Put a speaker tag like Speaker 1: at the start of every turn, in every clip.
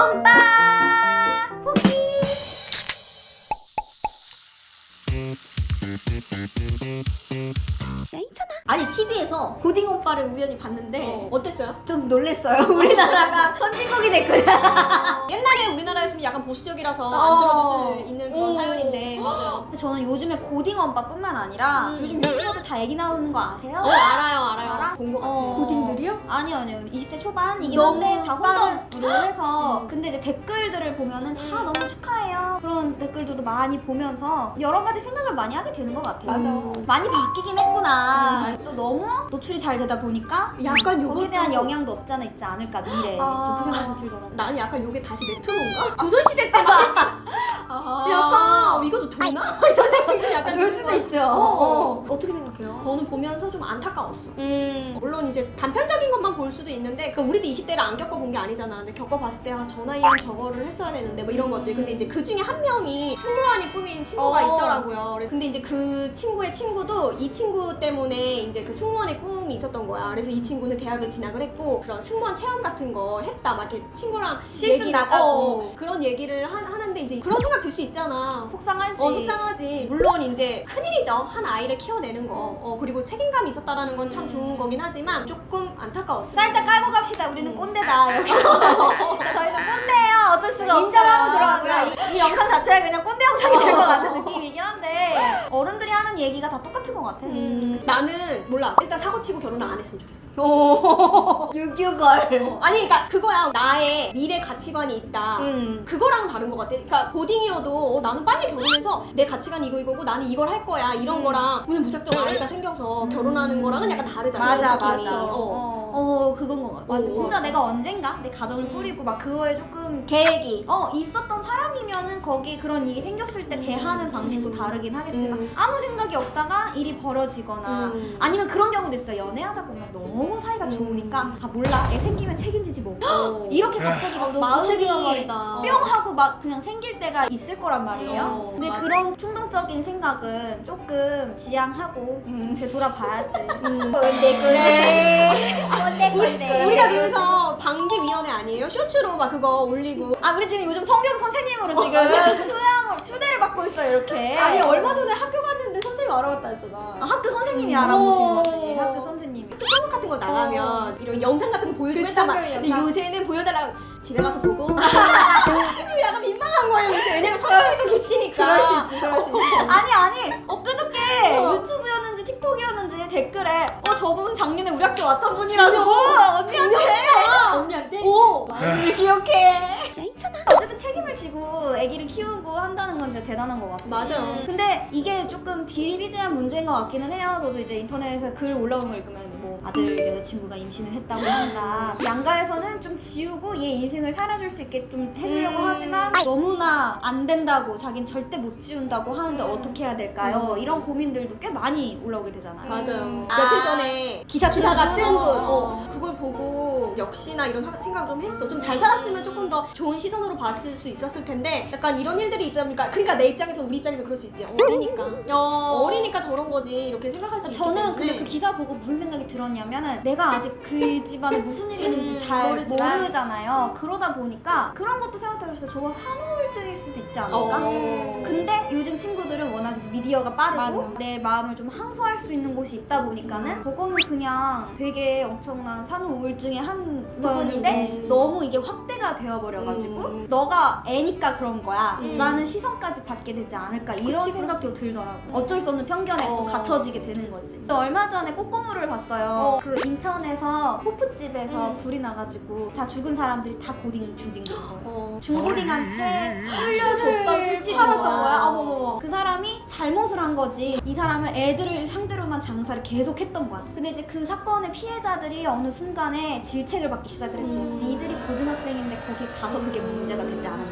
Speaker 1: 오빠 후기. 괜찮아. 아니 TV에서 고딩 오빠를 우연히 봤는데
Speaker 2: 어땠어요?
Speaker 1: 좀 놀랬어요. 우리나라가 선진국이 됐구나.
Speaker 2: 옛날에 우리나라였으면 약간 보수적이라서 안 들어줄 수 있는 그런 사연인데 맞아요.
Speaker 1: 저는 요즘에 고딩 오빠뿐만 아니라 요즘 유튜버들 다 애기 나오는 거 아세요?
Speaker 2: 알아요. 본 것 같아요.
Speaker 1: 고딩들이요? 아니요 20대 초반이긴
Speaker 2: 너무
Speaker 1: 한데 다
Speaker 2: 혼자-
Speaker 1: 혼자로 해서 근데 이제 댓글들을 보면은 다 너무 축하해요 그런 댓글들도 많이 보면서 여러 가지 생각을 많이 하게 되는 것 같아요.
Speaker 2: 맞아.
Speaker 1: 많이 바뀌긴 했구나. 또 너무 노출이 잘 되다 보니까
Speaker 2: 약간
Speaker 1: 거기에
Speaker 2: 요것도-
Speaker 1: 대한 영향도 없지 않아 있지 않을까 미래에 좀 그 생각이 들더라고요.
Speaker 2: 나는 약간 요게 다시 레트로인가? 조선시대 때 막 약간 이것도 되나? 이런 생각이 좀 약간
Speaker 1: 될
Speaker 2: 드는
Speaker 1: 수도
Speaker 2: 거야.
Speaker 1: 있죠. 어떻게 생각해요?
Speaker 2: 저는 보면서 좀 안타까웠어. 물론 이제 단편적인 것만 볼 수도 있는데 그 우리도 20대를 안 겪어본 게 아니잖아. 근데 겪어봤을 때 저 나이엔 저거를 했어야 되는데 뭐 이런 것들. 근데 이제 그 중에 한 명이 승무원이 꾸민 친구가 있더라고요. 근데 이제 그 친구의 친구도 이 친구 때문에 이제 그 승무원의 꿈이 있었던 거야. 그래서 이 친구는 대학을 진학을 했고 그런 승무원 체험 같은 거 했다. 막 이렇게 친구랑
Speaker 1: 실습 나가고.
Speaker 2: 그런 얘기를 하는데 이제 그런 생각 들 수 있잖아.
Speaker 1: 속상할지.
Speaker 2: 속상하지. 물론 이제 큰일이죠. 한 아이를 키워내는 거. 그리고 책임감이 있었다라는 건 참 좋은 거긴 하지만 조금 안타까웠어요.
Speaker 1: 짤딱 깔고 갑시다. 우리는 꼰대다. 이렇게. 저희는 꼰대예요. 어쩔 수가 없어요. 인정하고 들어가고요. 이 영상 자체가 그냥 꼰대 영상이 될 것 같은 느낌이긴 한데 어른들이 하는 얘기가 다 똑같은 것 같아.
Speaker 2: 나는 몰라. 일단 사고치고 결혼을 안 했으면 좋겠어.
Speaker 1: 유교걸.
Speaker 2: 아니 그러니까 그거야. 나의 미래 가치관이 있다. 그거랑은 다른 것 같아. 그러니까 고딩이어도 나는 빨리 결혼해서 내 가치관이 이거고 나는 이걸 할 거야 이런 거랑 오늘 무작정 아이가 생겨서 결혼하는 거랑은 약간 다르잖아.
Speaker 1: 맞아
Speaker 2: 느낌이.
Speaker 1: 맞아. 그건 것 같아. 진짜 내가 언젠가 내 가정을 꾸리고 막 그거에 조금 계획이 있었던 사람이면은 거기에 그런 일이 생겼을 때 대하는 방식도 다르긴 하겠지만 아무 생각이 없다가 일이 벌어지거나 아니면 그런 경우도 있어요. 연애하다 보면 너무 사이가 좋으니까 몰라 애 생기면 책임지지 뭐 이렇게 갑자기 막 마음이 뿅 하고 막 그냥 생길 때가 있을 거란 말이에요. 근데
Speaker 2: 맞아.
Speaker 1: 그런 충동적인 생각은 조금 지양하고 되돌아봐야지. 꼰대.
Speaker 2: 우리가 그래서 방지위원회 아니에요? 쇼츠로 막 그거 올리고
Speaker 1: 우리 지금 요즘 성경 선생님으로 지금 추대를 받고 있어요 이렇게.
Speaker 3: 아니 얼마 전에 학교 갔는데 선생님 알아봤다 했잖아.
Speaker 1: 학교 선생님이 알아보신 거지. 학교 선생님이.
Speaker 2: 수업 같은 거 나가면 이런 영상 같은 거 보여주고 했단 말이야. 근데 요새는 보여달라고 집에 가서 보고 이거 약간 민망한 거예요 요새. 왜냐면 선생님이 또 계시니까.
Speaker 3: 그럴 수 있지.
Speaker 1: 아니 엊그저께 유튜브였는지 틱톡이었는지 댓글에 저분 작년에 우리 학교 왔던 분이라고 언니한테
Speaker 2: 오!
Speaker 1: 기억해. 괜찮아. 어쨌든 책임을 지고 아기를 키우고 한다는 건 진짜 대단한 것 같아요.
Speaker 2: 맞아요.
Speaker 1: 근데 이게 조금 비일비재한 문제인 것 같기는 해요. 저도 이제 인터넷에서 글 올라온 거 읽으면 뭐 아들 여자친구가 임신을 했다고 한다. 양가에서는 좀 지우고 얘 인생을 살아줄 수 있게 좀 해주려고 하지만 너무나 안 된다고 자기는 절대 못 지운다고 하는데 어떻게 해야 될까요? 이런 고민들도 꽤 많이 올라오게 되잖아요.
Speaker 2: 맞아요. 며칠 전에 기사가 뜬 분. 그걸 보고 역시나 이런 생각을 좀 했어. 좀 잘 살았으면 조금 더 좋은 시선으로 봤을 수 있었을 텐데 약간 이런 일들이 있다 보니까 그러니까 내 입장에서 우리 입장에서 그럴 수 있지. 어리니까 저런 거지 이렇게 생각할 수 있기
Speaker 1: 저는
Speaker 2: 때문에.
Speaker 1: 근데 그 기사 보고 무슨 생각이 들었냐면은 내가 아직 그 집안에 무슨 일이 있는지 잘 모르잖아요. 그러다 보니까 그런 것도 생각해봤어요. 저거 산후우울증일 수도 있지 않을까? 근데 요즘 친구들은 워낙 미디어가 빠르고 내 마음을 좀 항소할 수 있는 곳이 있다 보니까는 저거는 그냥 되게 엄청난 산후우울증의 한 부분인데 너무 이게 확대가 되어버려가지고 너가 애니까 그런 거야 라는 시선까지 받게 되지 않을까 이런 생각도 들더라고. 어쩔 수 없는 편견에 또 갇혀지게 되는 거지. 또 얼마 전에 꼬꼬무를 봤어요. 그 인천에서 호프집에서 불이 나가지고 다 죽은 사람들이 다 고딩 중딩들이고 중고딩한테 술려줬던 술집인 거야. 그 사람이 잘못을 한 거지. 이 사람은 애들을 상대로만 장사를 계속 했던 거야. 근데 이제 그 사건의 피해자들이 어느 순간에 질책을 받기 시작을 했대. 니들이 고등학생인데 거기 가서 그게 문제가 되지 않았냐.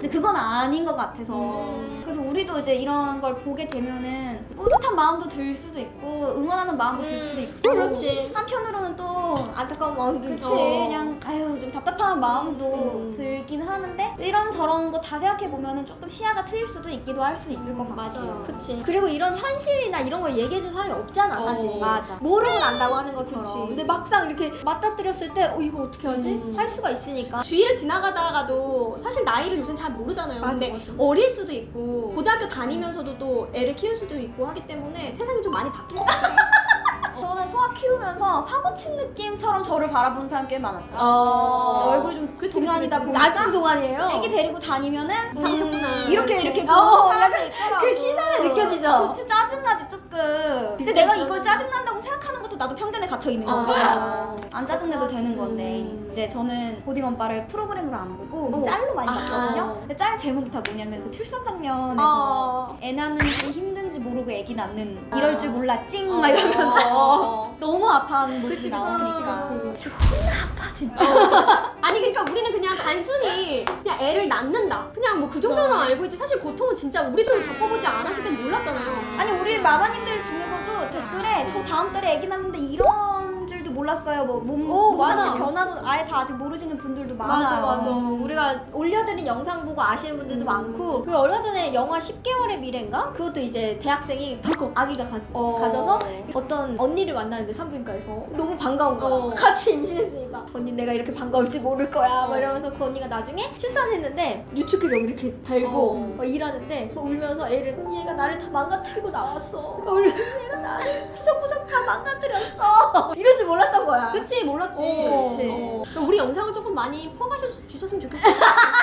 Speaker 1: 근데 그건 아닌 것 같아서 그래서 우리도 이제 이런 걸 보게 되면은 뿌듯한 마음도 들 수도 있고 응원하는 마음도 들 수도 있고
Speaker 3: 그렇지.
Speaker 1: 한편으로는 또
Speaker 3: 안타까운 마음도
Speaker 1: 그치
Speaker 3: 있고.
Speaker 1: 그냥 아유 좀 답답한 마음도 들긴 하는데 이런 저런 거 다 생각해보면은 조금 시야가 트일 수도 있기도 할 수 있을 것 같아요.
Speaker 2: 맞아요.
Speaker 3: 그치. 그리고 이런 현실이나 이런 걸 얘기해준 사람이 없잖아, 사실.
Speaker 1: 맞아.
Speaker 3: 모르고 난다고 하는 것처럼.
Speaker 2: 그치.
Speaker 3: 근데 막상 이렇게 맞닥뜨렸을 때, 이거 어떻게 하지? 할 수가 있으니까.
Speaker 2: 주위를 지나가다가도 사실 나이를 요새 잘 모르잖아요.
Speaker 3: 맞아,
Speaker 2: 근데
Speaker 3: 맞아.
Speaker 2: 어릴 수도 있고 고등학교 다니면서도 또 애를 키울 수도 있고 하기 때문에 세상이 좀 많이 바뀐 것 같아요.
Speaker 1: 저는 소아 키우면서 사고 친 느낌처럼 저를 바라보는 사람 꽤 많았어요. 얼굴이 좀
Speaker 2: 그치,
Speaker 1: 동안이다
Speaker 2: 그치,
Speaker 1: 보니까
Speaker 3: 아직도 동안이에요.
Speaker 1: 애기 데리고 다니면은
Speaker 2: 장수구나.
Speaker 1: 이렇게 보는 사람이 있더라고.
Speaker 3: 그 시선에 느껴지죠?
Speaker 1: 그치 짜증나지 조금. 근데 내가 이걸 짜증난다고 생각하는 것도 나도 편견에 갇혀 있는 거야. 안 짜증내도 되는 건데 이제 저는 고딩 언빠를 프로그램으로 안 보고 짤로 많이 봤거든요. 근데 짤 제목이 다 뭐냐면 그 출산 장면에서 애 낳는 게 힘든지 모르고 애기 낳는 이럴 줄 몰라 찡 막 이러면서 너무 아파하는 모습이 나오니까
Speaker 2: 그치.
Speaker 1: 아파 진짜.
Speaker 2: 아니 그러니까 우리는 그냥 단순히 그냥 애를 낳는다. 그냥 뭐 그 정도로만 알고 있지 사실 고통은 진짜 우리도 겪어보지 않았을 땐 몰랐잖아요.
Speaker 1: 아니 우리 마마님들 중에서도 댓글에 저 다음 달에 애기 낳는데 이런 줄도 몰랐어요. 뭐 몸
Speaker 3: 많아.
Speaker 1: 상태 변화도 아예 다 아직 모르시는 분들도 많아요.
Speaker 3: 맞아, 맞아. 우리가 올려드린 영상 보고 아시는 분들도 많고, 그리고 얼마 전에 영화 10개월의 미래인가? 그것도 이제 대학생이 덜컥 아기가 가져서 어떤 언니를 만나는데 산부인과에서 너무 반가운 거야. 같이 임신했으니까. 언니 내가 이렇게 반가울 줄 모를 거야. 막 이러면서 그 언니가 나중에 출산했는데 유축기력 이렇게 달고 막 일하는데 울면서 애를 얘가 나를 다 망가뜨리고 나왔어. 울면서 얘가 나를 구석구석 다 망가뜨렸어. 이럴 줄 몰랐던 거야.
Speaker 2: 그치 몰랐지.
Speaker 1: 그치.
Speaker 2: 그러니까 우리 영상을 조금 많이 퍼가주셨으면 좋겠어요.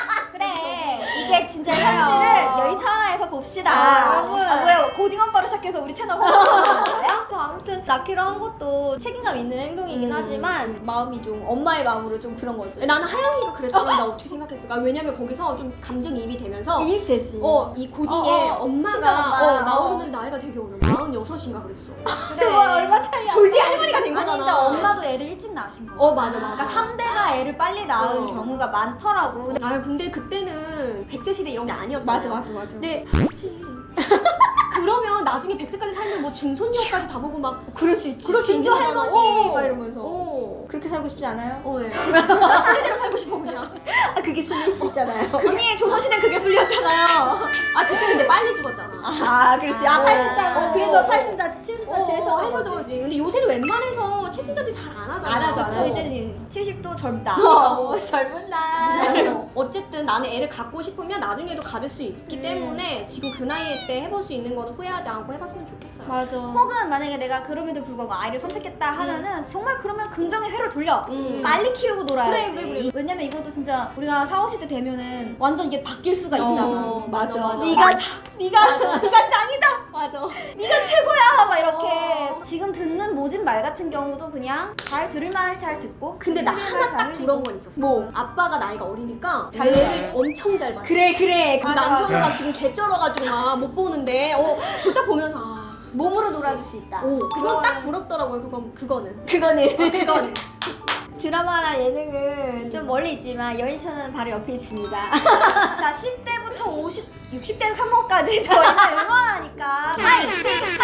Speaker 1: 그래 이게 진짜 현실을 여인 천하에서 봅시다.
Speaker 3: 여러분.
Speaker 1: 뭐야 고딩 언빠로 시작해서 우리 채널 홍보하는 거예요?
Speaker 3: 아무튼 낳기로 한 것도 책임감 있는 행동이긴 하지만 마음이 좀 엄마의 마음으로 좀 그런 거지.
Speaker 2: 나는 하영이가 그랬다면 나 어떻게 생각했을까? 왜냐면 거기서 좀 감정이입이 되면서
Speaker 3: 이입되지.
Speaker 2: 이 고딩에 엄마가
Speaker 1: 친정엄마.
Speaker 2: 나오셨는데 나이가 되게 어려. 46인가 그랬어.
Speaker 1: 그래.
Speaker 3: 얼마 차이야?
Speaker 2: 졸지 할머니가 된
Speaker 1: 아니
Speaker 2: 거잖아.
Speaker 1: 근데 엄마도 애를 일찍 낳으신 거야.
Speaker 2: 맞아.
Speaker 1: 그러니까 3대가 애를 빨리 낳은 경우가 많더라고. 근데
Speaker 2: 근데 그때는 100세 시대 이런 게 아니었잖아요.
Speaker 3: 맞아.
Speaker 2: 근데 그렇지. 그러면 나중에 100세까지 살면 뭐 중손녀까지 다 보고 막
Speaker 3: 그럴 수 있지.
Speaker 2: 그럴 수
Speaker 3: 진주
Speaker 2: 있는 거잖아.
Speaker 3: 할머니 막 이러면서.
Speaker 2: 어.
Speaker 3: 그렇게 살고 싶지 않아요?
Speaker 2: 예. 나 순리대로 살고 싶어 그냥.
Speaker 3: 그게 순리일 수 있잖아요.
Speaker 1: 언니 조선시대 그게 술렸잖아요.
Speaker 2: 그때 근데 빨리 죽었잖아.
Speaker 3: 그렇지.
Speaker 2: 아,
Speaker 3: 80살. 그래서
Speaker 2: 어.
Speaker 3: 8순자치, 7순자치
Speaker 2: 해서
Speaker 3: 해서
Speaker 2: 거지. 근데 요새는 웬만해서 칠순자지 잘 안 하잖아.
Speaker 3: 안 하죠, 안
Speaker 1: 저
Speaker 3: 하죠.
Speaker 1: 이제 70도 젊다.
Speaker 3: 젊은 날.
Speaker 2: 어쨌든 나는 애를 갖고 싶으면 나중에도 가질 수 있기 때문에 지금 그 나이 때 해볼 수 있는 거는 후회하지 않고 해봤으면 좋겠어요.
Speaker 3: 맞아.
Speaker 1: 혹은 만약에 내가 그럼에도 불구하고 아이를 선택했다 하면은 정말 그러면 긍정의 회를 돌려.
Speaker 2: 음.
Speaker 1: 빨리 키우고 놀아야지.
Speaker 2: 그래.
Speaker 1: 왜냐면 이것도 진짜 우리가 4, 50대 되면은 완전 이게 바뀔 수가 있잖아.
Speaker 2: 맞아.
Speaker 1: 네가 짱이다.
Speaker 2: 맞아.
Speaker 1: 네가 최고야. 막 이렇게. 지금 듣는 모진 말 같은 경우도 그냥 잘 들을 말 잘 듣고.
Speaker 2: 근데 나
Speaker 1: 흘릴 말
Speaker 2: 하나
Speaker 1: 잘
Speaker 2: 딱
Speaker 1: 흘리고.
Speaker 2: 부러운 건 있었어.
Speaker 3: 뭐?
Speaker 2: 아빠가 나이가 어리니까
Speaker 1: 잘
Speaker 2: 애를
Speaker 1: 봐요.
Speaker 2: 엄청 잘 봐.
Speaker 3: 그래.
Speaker 2: 그 남편은 막 지금 개쩔어가지고 막 못 보는데 그거 딱 보면서
Speaker 3: 몸으로 놀아줄 수 있다.
Speaker 2: 그건 딱 부럽더라고요. 그거는.
Speaker 3: 그거는. 드라마나 예능은 좀 멀리 있지만 여인천은 바로 옆에 있습니다.
Speaker 1: 자, 10대부터 60대 3호까지 저희는 응원하니까 파이팅!